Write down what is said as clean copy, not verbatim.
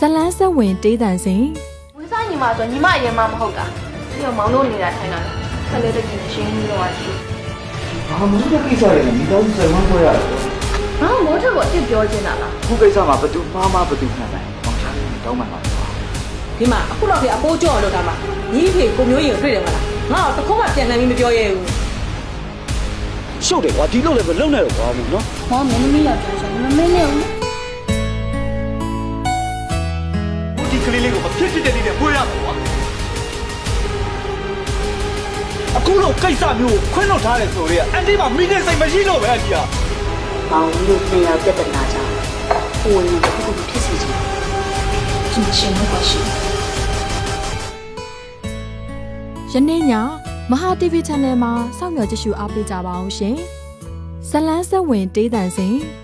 လန်းဆက်ဝင်တေးတန်စင်ဝင်းစားညီမဆိုညီမအရင်မှမဟုတ်တာပြီးတော့မောင်တို့နေတာထိုင်တာခက်လေးတကယ်ရှင်းပြီးတော့ရှိဘာမှမလုပ်ကိစ္စရည်မိသားစုဆိုင်မှခွဲရတယ်ဘာမိုးထက်ကိုအစ်ပြောချင်တာလားခုကိစ္စမှာဘသူမှားမှဘသူမှန်တယ်မောင်ချာတောင်းမှန်ပါလားဒီမှာအခုတော့ဒီအပိုးကြော့လို့ဒါမှညီဖေကိုမျိုးရင်တွေ့တယ်မလားငါတော့တခုမှပြန်နိုင်ပြီးမပြောရဲဘူးရှုပ်တယ်ကွာဒီလိုလည်းမလုံနဲ့တော့ကွာဘူးနော်မောင်မင်းသမီးယောက်ျားဆိုမမင်းနဲ့ဦးဒီကလေးလေးကိုမဖြစ်ဖြစ်တဲ့နေ့နဲ့ပွေးရမှာကွာအခုလိုကိစ္စမျိုးကိုခွင့်လွှတ်ထားတယ်ဆိုတော့အန်တီမှာမိနေစိတ်မရှိတော့ပဲအကြီးကမောင်လို့ပြန်ရောက်ပြဿနာကြောင့်ကိုယ်ရင်တစ်ခုခုဖြစ်စီချင်သူရှင်တော့ပါရှိယနေ့ညမဟာ TV Channel မှာစောင့်မျှော်ကြည့်ရှုအားပေးကြပါအောင်ရှင်ဇလန်းဆက်ဝင်တေးတန်စင်